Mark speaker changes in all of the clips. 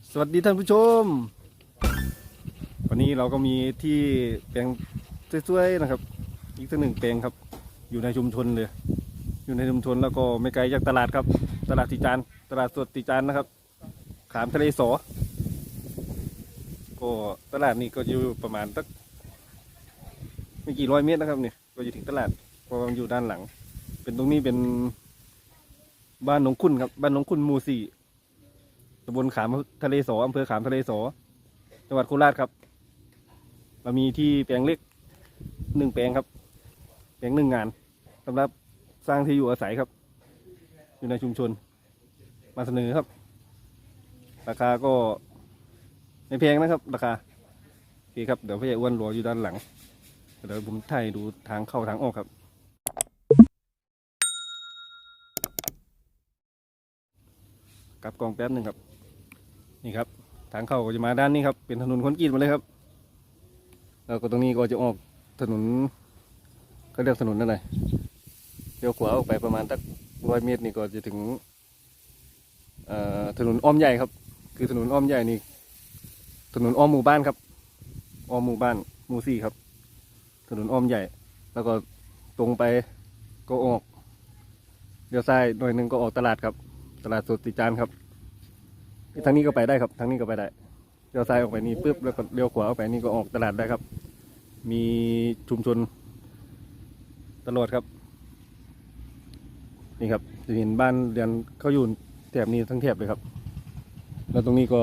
Speaker 1: สวัสดีท่านผู้ชมวันนี้เราก็มีที่แปลงสวยๆนะครับอีกสักหนึ่งแปลงครับอยู่ในชุมชนเลยอยู่ในชุมชนแล้วก็ไม่ไกลจากตลาดครับตลาดติจานตลาดสดติจานนะครับขามทะเลสอก็ตลาดนี้ก็อยู่ประมาณสักไม่กี่ร้อยเมตรนะครับเนี่ยก็จะถึงตลาดเพราะมันอยู่ด้านหลังเป็นตรงนี้เป็นบ้านหนองคุณครับบ้านหนองคุณหมู่ 4ตำบลขามทะเลสออำเภอขามทะเลสอจังหวัดโคราชครับเรามีที่แปลงเล็ก1 แปลงครับแปลง1 งานสำหรับสร้างที่อยู่อาศัยครับอยู่ในชุมชนมาเสนอครับราคาก็ไม่แพงนะครับราคาโอเคครับเดี๋ยวพี่ใหญ่อ้วนรออยู่ด้านหลังเดี๋ยวผมถ่ายดูทางเข้าทางออกครับกลับกล้องแป๊บหนึ่งครับนี่ครับทางเข้าก็จะมาด้านนี้ครับเป็นถนนคอนกรีตมาเลยครับแล้วก็ตรงนี้ก็จะออกถนนก็เรียกถนนอะไรเลี้ยวขวาออกไปประมาณสัก100 เมตรนี่ก็จะถึงถนนอ้อมใหญ่ครับคือถนนอ้อมใหญ่นี่ถนนอ้อมหมู่บ้านครับอ้อมหมู่บ้านหมู่ 4ครับถนนอ้อมใหญ่แล้วก็ตรงไปก็ออกเลี้ยวซ้ายหน่อยหนึงก็ออกตลาดครับตลาดสดติจานครับทางนี้ก็ไปได้ครับทางนี้ก็ไปได้เลี้ยวซ้ายออกไปนี่ปุ๊บแล้วก็เลี้ยวขวาออกไปนี่ก็ออกตลาดได้ครับมีชุมชนตลอดครับนี่ครับจะเห็นบ้านเรือนเขาอยู่แถบนี้ทั้งแถบเลยครับแล้วตรงนี้ก็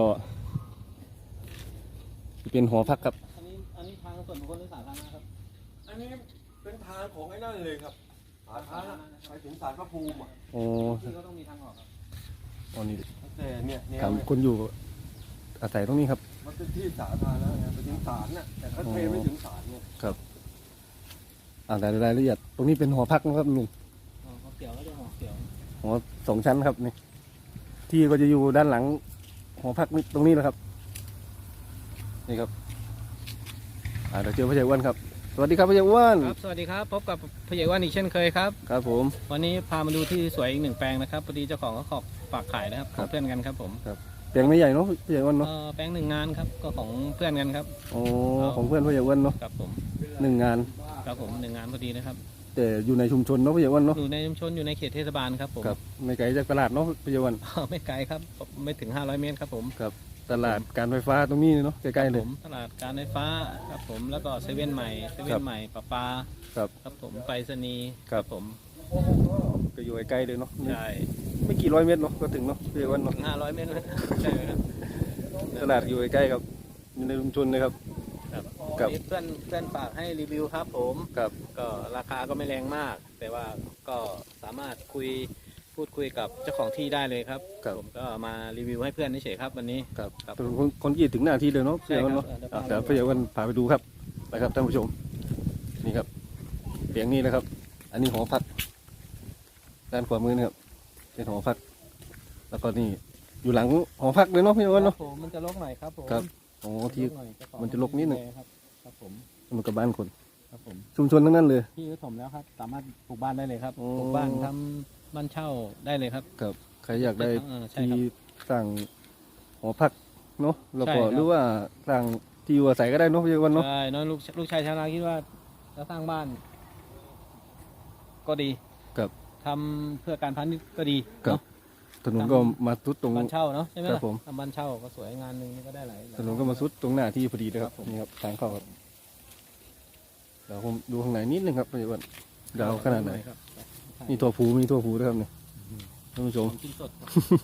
Speaker 1: เป็นหอพักครับ
Speaker 2: อันนี้ทางส่วนบุคคลหรือสาธารณะครับ
Speaker 3: อันนี้เป็นทางของไอ้นั่นเลยครับสาธารณะไปถึงศาลพระภูมิอ่ะ
Speaker 1: โอ้
Speaker 2: ที่ก็ต้องมีทางออกครับ
Speaker 1: อ๋อนี่
Speaker 3: แต่เนี่ยแนว
Speaker 1: ถาม
Speaker 3: เนี่ย
Speaker 1: คนอยู่อาศัยตรงนี้ครับ
Speaker 3: มันเป็นที่สาธารณะไงไปถึงศาลน่ะแต่เขาเทไม่ถึงศาลเนี่ย
Speaker 1: ครับแต่รายละเอียดตรงนี้เป็นหอพักนะครับลุง
Speaker 2: หอเกี่ยวก็จะหอเกี่ยว
Speaker 1: หอ2 ชั้นครับนี่ที่ก็จะอยู่ด้านหลังหอพักนี่ตรงนี้แหละครับนี่ครับเดี๋ยวเจอพ่อใหญ่อ้วนครับสวัสดีครับพ่อใหญ่อ้วน
Speaker 2: ครับสวัสดีครับพบกับผู้ใหญ่ว่านอีกเช่นเคยครับ
Speaker 1: ครับผม
Speaker 2: วันนี้พามาดูที่สวยอีก1 แปลงนะครับพอดีเจ้าของก็ขอฝากขายนะครับของเพื่อนกันครับผม
Speaker 1: แปลงไม่ใหญ่เนาะพ่อใหญ่อ้วนเนาะ
Speaker 2: แปลง1 งานครับก็ของเพื่อนกันครับ
Speaker 1: โอ้ของเพื่อนพ่อใหญ่อ้วนเนาะ
Speaker 2: ครับผม
Speaker 1: 1 งาน
Speaker 2: ครับผม1 งานพอดีนะครับ
Speaker 1: แต่อยู่ในชุมชนเนาะพ่อใหญ่อ้วนเนาะ
Speaker 2: อยู่ในชุมชนอยู่ในเขตเทศบาลครับผม
Speaker 1: ครับไม่ไกลจากตลาดเนาะพ่อใหญ่อ้วน
Speaker 2: ไม่ไกลครับไม่ถึง500 เมตรครับผม
Speaker 1: ครับตลาดการไฟฟ้าตรงนี้เนาะใกล้ๆเลย
Speaker 2: ผมตลาดการไฟฟ้าครับผมแล้วก็เซเว่นใหม่ประปา
Speaker 1: ครับ
Speaker 2: ครับผมไปรษณีย์
Speaker 1: ครับ
Speaker 2: ผม
Speaker 1: ก็อยู่ใกล้ๆเลยเนาะ
Speaker 2: ใช่
Speaker 1: ไม่กี่ร้อยเมตรเนาะก็ถึงเนาะพ่อใหญ่อ้วนเนาะ
Speaker 2: ถึง500 เมตรเลยใช่ไหมครับ
Speaker 1: ตลาดอยู่ใกล้ๆครับอยู่ในชุมชนเลยครับ
Speaker 2: ครับ
Speaker 1: ครับ
Speaker 2: นี่เพื่อนฝากให้รีวิวครับผม
Speaker 1: ครับ
Speaker 2: ก็ราคาก็ไม่แรงมาก แต่ว่าก็สามารถพูดคุยกับเจ้าของที่ได้เลยครับ
Speaker 1: ครับ
Speaker 2: ผมก็มารีวิวให้เพื่อนเฉยๆครับวันนี้
Speaker 1: ครับ
Speaker 2: ครับ
Speaker 1: เป็นคนกรีดถึงหน้าที่เลยเนาะ
Speaker 2: ใช่
Speaker 1: เพื่อน
Speaker 2: ครับ
Speaker 1: เนาะ
Speaker 2: เดี๋ยว
Speaker 1: เดี๋ยวพี่วันพาไปดูครับไปครับท่านผู้ชมนี่ครับเตียงนี้นะครับ อันนี้หอพักด้านขวามือนะครับเป็นหอพัก แล้วก็นี่อยู่หลังหอพักเลยเนาะพี่วัน
Speaker 2: ครั
Speaker 1: เนาะ
Speaker 2: บผมมันจะรกหน่อยครับผม
Speaker 1: ครับโอ้ที่
Speaker 2: รกหอยเจ้าของ
Speaker 1: มันจะรกนิดหนึ่ง
Speaker 2: ครับครับผม
Speaker 1: มันกับบ้านคน
Speaker 2: ครับผม
Speaker 1: ชุมชนทั้งนั้นเลย
Speaker 2: ที่ถมแล้วครับสามารถปลูกบ้านได้เลยครับ
Speaker 1: โอ้
Speaker 2: ปลูกบ้านทำบ้านเช่าได้เลยครับ
Speaker 1: ครับใครอยากได้
Speaker 2: ใช่
Speaker 1: ที่
Speaker 2: ครับ
Speaker 1: สร้างหอพักเนาะแล้วก็
Speaker 2: ใช่ครับ
Speaker 1: หรือว่าสร้างที่อยู่อาศัยก็ได้เนาะพี่วันเนาะ
Speaker 2: ใช่น้องลูกชายชาวนาคิดว่าจะสร้างบ้าน ก็ดี
Speaker 1: ครับ
Speaker 2: ทำเพื่อการพาณิชย์ก็ดี
Speaker 1: ครับ
Speaker 2: เนาะ
Speaker 1: ถนนก็มาทุดตรง
Speaker 2: บ้านเช่าเนาะใช่ไหม
Speaker 1: ครับ
Speaker 2: ล่ะ
Speaker 1: ผม
Speaker 2: ทำบ้านเช่าก็สวยงานหนึ่งนี่ก็ได้หลาย
Speaker 1: ถนนก็มาสุดตรงหน้าที่พอดีเลยครับ
Speaker 2: ครับผม
Speaker 1: นี่ครับทางเข้าครับเดี๋ยวผมดูข้างในนิดนึงครับพี่อ้วนเดาวขนาดไหน
Speaker 2: ครับ
Speaker 1: มีถั่วผูด้วยครับเนี่ยท่านผู้ชม
Speaker 2: กินสด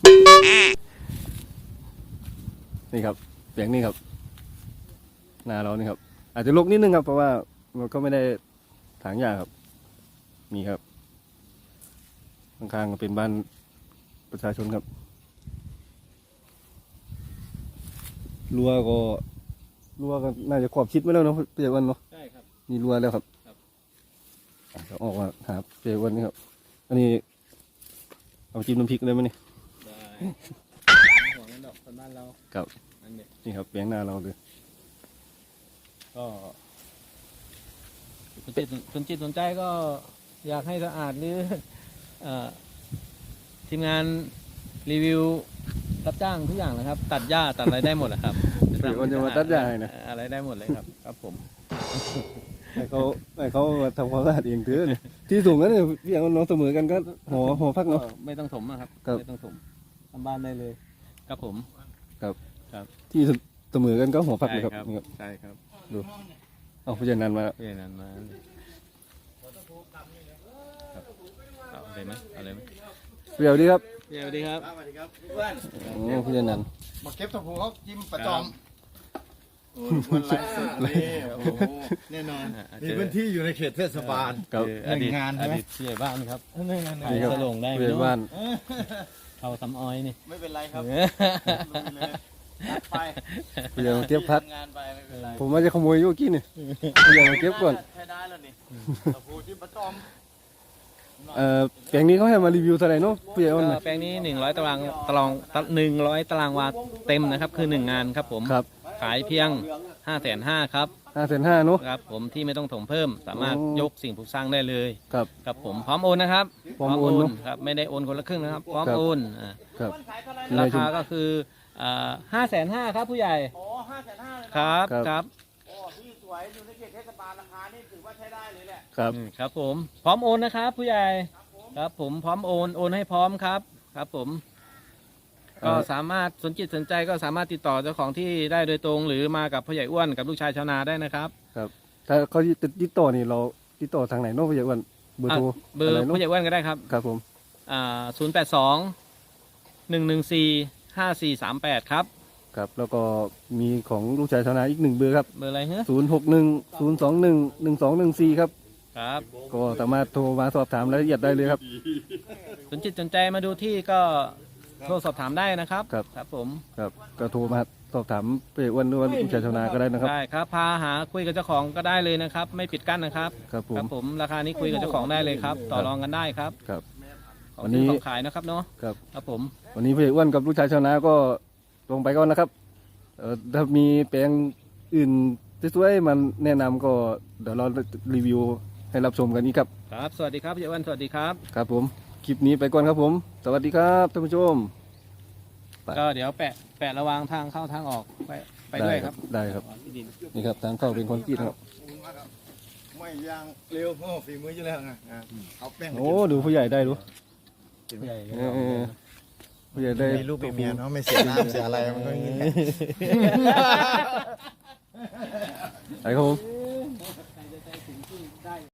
Speaker 1: นี่ครับเสียงนี่ครับหน้าเรานี่ครับ อาจจะลกนิดนึงครับเพราะว่ามันก็ไม่ได้ถางหญ้าครับมีครับข้างๆก็เป็นบ้านประชาชนครับรั้วก็น่าจะขอบชิดไม่แล้วเนาะพี่อ้วนเนาะ
Speaker 2: ใช่ครับ
Speaker 1: มีรั้วแล้วครับ
Speaker 2: ครับ
Speaker 1: เราออกมาหาเจวันนี่ครับ อันนี้เอาจิ้มน้ำพริกเลยมั้ยนี่
Speaker 2: ได้ห่วงนั้นดอกคนบ้านเรา
Speaker 1: ครับ
Speaker 2: อันเด็ด
Speaker 1: นี่ครับแปลงหน้าเราเลย
Speaker 2: ก็สนจิตสนใจก็อยากให้สะอาดหรือทีมงานรีวิวรับจ้างทุกอย่างนะครับ ตัดหญ้าตัดอะไรได้หมดแหละครับ
Speaker 1: เดี๋ยวมันจะมาตัดหญ้าให้นะ
Speaker 2: อะไรได้หมดเลยครับครับผม
Speaker 1: ให้เขามาทำความสะอาดเองเถอะเนี่ยที่สูงนั้นเนี่ยพี่อย่างน้องเสมอกันก็หอพักเนาะ
Speaker 2: ไม่ต้องถมนะครับ
Speaker 1: ครับ
Speaker 2: ไม่ต้องถมทำบ้านได้เลยครับผม
Speaker 1: ที่เสมอกันก็หอพักเลยครับนี่ครับ
Speaker 2: ใช่ครับ
Speaker 1: เอาพี่จันนันมา
Speaker 2: เพื่อนนั้นมาครับเอาเลยไหมเอาเลยไหม
Speaker 1: เปรี้ยวดีครับ
Speaker 2: สวัสดีครับ
Speaker 4: สวัสดีครับเพื่อน
Speaker 1: โอ้พี่จันนัน
Speaker 4: มาเก็บตะพูเขาจิ้มประจอมโอ้ยมันไร้สดนี่โอ้โหแน่นอน มีพื้นที่อยู่ในเขตเทศบาล
Speaker 1: ครับ
Speaker 2: อดีต
Speaker 4: หนึ่งงานใช่ไหม
Speaker 2: อดีตผู้ใหญ่บ้านครับ
Speaker 4: นี่ไง
Speaker 1: นี่ครับ
Speaker 2: จะลงได้ไหม
Speaker 1: ผู้ใหญ่บ้าน
Speaker 2: เขาทำอ้อยนี่
Speaker 4: ไม่เป็นไรครับลุยเลยนัดไป
Speaker 1: พี่ใหญ่มาเก็บพัก
Speaker 4: ทำงานไปไม่เป็นไร
Speaker 1: ผมว่าจะขโมยอยุกี้นี่พี่ใหญ่มาเก็บก่อน
Speaker 4: ใช้ได้แล้วนี่ตะพูจิ้มประจอม
Speaker 1: แปลงนี้เขาให้มารีวิวเท่าไหร่เนาะพี่ใหญ่อ้นนะ
Speaker 2: แปลงนี้100100ตารางวาเต็มนะครับคือ1งานครับผม
Speaker 1: ครับ
Speaker 2: ขายเพียง 550,000ครับ
Speaker 1: 550,000เนาะ
Speaker 2: ครับผมที่ไม่ต้องถมเพิ่มสามารถ
Speaker 1: โอ้
Speaker 2: ยกสิ่งปลูกสร้างได้เลย
Speaker 1: ครับ
Speaker 2: ครับผมพร้อมโอนนะครับ
Speaker 1: พร้อมโอนเนอะ
Speaker 2: ครับไม่ได้โอนคนละครึ่งนะครับพร้อม
Speaker 1: ครับ
Speaker 2: โอน
Speaker 1: ครับ
Speaker 2: ราคาก็คือ550,000ครับผู้ใหญ่
Speaker 4: โอ้550,000เลย
Speaker 2: ค
Speaker 4: นะ
Speaker 2: รับ
Speaker 1: ครับ
Speaker 2: ครับ
Speaker 4: โอ้ที่สวยอยู่ในเขตเทศบาลราคานี่ถือว่าใช้ได้เลยแหละ
Speaker 1: ครับ
Speaker 2: ครับผมพร้อมโอนนะครับผู้ใหญ่ครับผมพร้อมโอนให้พร้อมครับครับผมก็สามารถสนจิตสนใจก็สามารถติดต่อเจ้าของที่ได้โดยตรง หรือมากับพ่อใหญ่อ้วนกับลูกชายชาวนาได้นะครับ
Speaker 1: ถ้าเขาติดต่อนี่เราติดต่อทางไหนเนาะพี่ใหญ่อ้วนเบอร์โทร
Speaker 2: เบอร์
Speaker 1: ะไนาะ
Speaker 2: พ่อใหญ่อ้วนก็ได้ครับ
Speaker 1: ครับผม
Speaker 2: 082-114-5438ครับ
Speaker 1: ครับแล้วก็มีของลูกชายชาวนาอีก1เบอร์ครับ
Speaker 2: เบอร์อะไรฮะ
Speaker 1: 0610211214ครับ
Speaker 2: ครับ
Speaker 1: ก็สามารถโทรมาสอบถามรายละเอียดได้เลยครับ
Speaker 2: สนจิตสนใจมาดูที่ก็โทรสอบถามได้นะครับ
Speaker 1: ครับ
Speaker 2: ครับผม
Speaker 1: ครับก็โทรมาสอบถามพี่ใหญ่อ้วนหรือว่าลูกชายชาวนาก็ได้นะครับ
Speaker 2: ได้ครับพาหาคุยกับเจ้าของก็ได้เลยนะครับ ไม่ปิดกั้นนะครับ
Speaker 1: ครับผ
Speaker 2: ครั
Speaker 1: ม
Speaker 2: บผมราคานี้คุยกับเจ้าของได้เลยครับต่อรองกันได้ครับ
Speaker 1: ครับ
Speaker 2: ของ
Speaker 1: วันนี้
Speaker 2: ซื้อของขายนะครับเนาะ
Speaker 1: ครับ
Speaker 2: ครับผม
Speaker 1: วันนี้พี่ใหญ่อ้วนกับลูกชายชาวนาก็ลงไปก่อนนะครับถ้ามีแปลงอื่นสวยๆมันแนะนำก็เดี๋ยวเรารีวิวให้รับชมกันอีกครับ
Speaker 2: ครับสวัสดีครับพี่อ้วนสวัสดีครับ
Speaker 1: ครับผมคลิปนี้ไปก่อนครับผม สวัสดีครับท่านผู้ชม ไป
Speaker 2: ก็เดี๋ยวแปะระวางทางเข้าทางออกไปด้วยครับ
Speaker 1: ได้ครับ
Speaker 2: ที่ดิน
Speaker 1: นี่ครับทางเข้าเป็นคอนกรีตครับ
Speaker 4: ไม่ยางเร็วพ่อฝีมืออยู่แล้วไงเอาแป้งมา
Speaker 1: โอ้ดูผู้ใหญ่ได้ดู
Speaker 2: ผู้ใหญ่
Speaker 1: ผู้ใหญ่ได้
Speaker 4: มีลูกมีเมียเนาะไม่เสียน้ำเสียอะไรมันก็อย่างนี้
Speaker 1: ไปครับผม